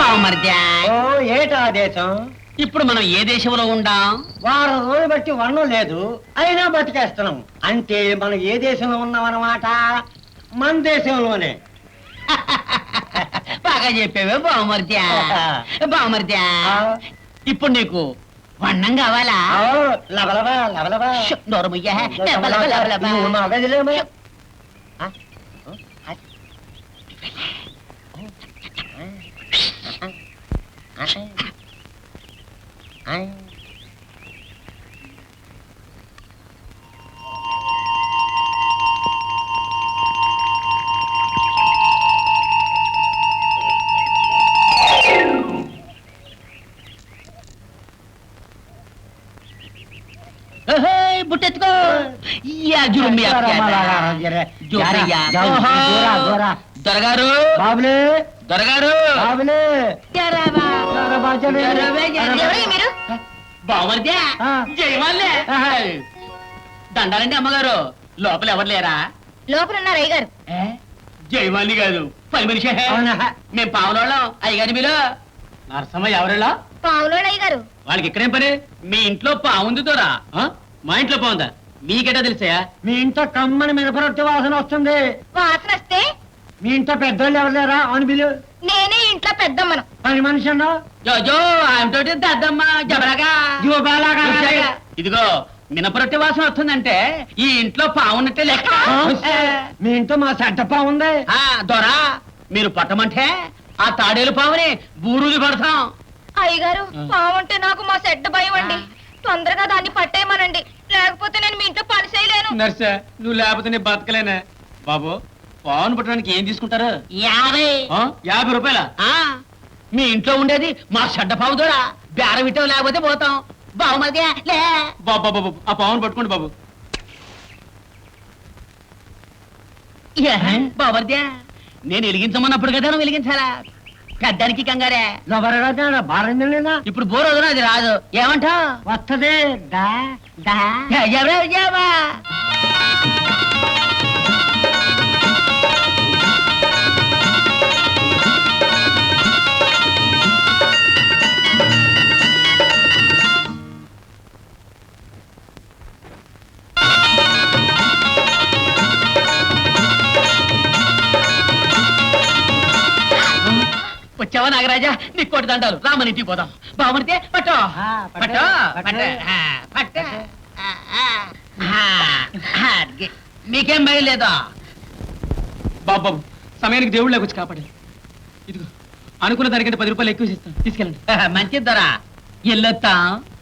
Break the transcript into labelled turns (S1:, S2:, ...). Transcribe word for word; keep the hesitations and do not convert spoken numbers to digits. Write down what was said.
S1: బావమరిదా
S2: ఓ ఏటా దేశం?
S1: ఇప్పుడు మనం ఏ దేశంలో ఉండాం?
S2: వారం రోజులు బట్టి వర్ణం లేదు, అయినా బతికేస్తున్నాం. అంటే మనం ఏ దేశంలో ఉన్నాం అన్నమాట? మన దేశంలోనే.
S1: బాగా చెప్పావే బావమరిదా. బావమరిదా
S2: ఆ.
S1: ఇప్పుడు నీకు వన్నం కావాలా?
S2: ఆ, లబలబా లబలబా.
S1: ష్, నోరుముయ్యా. లబలబ, లబలబ.
S2: నువ్వు మా గదిలేమో. ఆ? ఓ, ఆ. ఆ. ఆ.
S1: ఓహో, బుట్టెత్తుకో. యా, జురుమి అక్కేదా. జోరయ్యా. ఓహో. దొరగారు,
S2: బాబులే
S1: దొరగారు.
S2: బాబులే
S1: జరావా.
S2: జరబా, జరే.
S1: జరవే, జరే.
S2: జరబా.
S3: మీరు
S1: బావమరిదా
S2: ఆ.
S1: జయవాళ్ళే.
S2: ఆహా.
S1: దండాలండి అమ్మగారు. లోపల ఎవరు లేరా?
S3: లోపల ఉన్నారు అయ్యగారు.
S1: ఏ? జయవాణి కాదు, పని మనిషి.
S2: అవునా?
S1: మేము పావులోళ్ళం. అయ్యగారి మీరు నరసమ్మ ఎవరిలా?
S3: పావులోడు అయ్యగారు.
S1: వాళ్ళకి ఇక్కడేం పని? మీ ఇంట్లో పావుంది తోరా? మా ఇంట్లో పావుందా? మీకెటా తెలుసా?
S2: మీ ఇంట్లో కమ్మని మినపరొట్టి వాసన వస్తుంది.
S3: వాసన వస్తే
S2: మీ ఇంట్లో పెద్దోళ్ళు ఎవరు లేరా అని బిలు?
S3: నేనే ఇంట్లో పెద్దమ్మను.
S2: పని మనిషి అన్నావు.
S1: జోజో ఆయనతోటి దద్దమ్మ జబరగా.
S2: జూబాలాగా.
S1: ఇదిగో మినపరొట్టె వాసన వస్తుందంటే ఈ ఇంట్లో పావున్నట్టే లెక్క.
S2: మీ ఇంట్లో మా సెట్టప్ప ఉంది.
S1: ఆ, దొరా మీరు పట్టమంటే ఆ తాడేలు పావుని బూరుది పడతాం.
S3: అయ్యగారు, పావుంటే నాకు మా సెడ్డ భయం అండి. తొందరగా దాన్ని పట్టేయమనండి, లేకపోతే నేను మీ ఇంట్లో పని చేయలేను.
S4: నర్సా, నువ్వు లేకపోతే నేను బతకలేనా? బాబు, పావును పట్టడానికి ఏం తీసుకుంటారు?
S1: యాభై.
S4: ఆ? యాభై రూపాయల
S1: ఆ, మీ ఇంట్లో ఉండేది మా చెడ్డ పావు దొరా. బేరం ఇట్టం లేకపోతే పోతాం. బావుమరిదే లే.
S4: బాబు బాబు బాబు, ఆ పావును పట్టుకోండి బాబు.
S1: బావర్దే నేను వెలిగించమన్నప్పుడు కదా నువ్వు వెలిగించాలా? పెద్దానికి కంగారే.
S2: ఎవరైనా బాగా
S1: ఇప్పుడు బోర్ వదన అది రాదు. ఏమంటా?
S2: వస్తుంది. దా దా
S1: ఎవరెవరు జావా? వచ్చావా నాగరాజా? నీ కోటి దండాలు. రామని ఇంటికి పోదాం. బావమరితే పట్టో
S2: ఆ, పట్టు,
S1: పట్టో
S2: పట్టు.
S1: పట్టు. ఆ, పట్టు. ఆ, ఆ. ఆ, ఆ, గి- మీకేం భయం లేదా?
S4: బాబు బాబు, సమయానికి దేవుడు లేకొచ్చి కాపాడు. ఇదిగో అనుకున్న దానికంటే పది రూపాయలు ఎక్కువ ఇస్తాను, తీసుకెళ్ళండి.
S1: మంచిది దొరా. ఎల్లొత్తాం.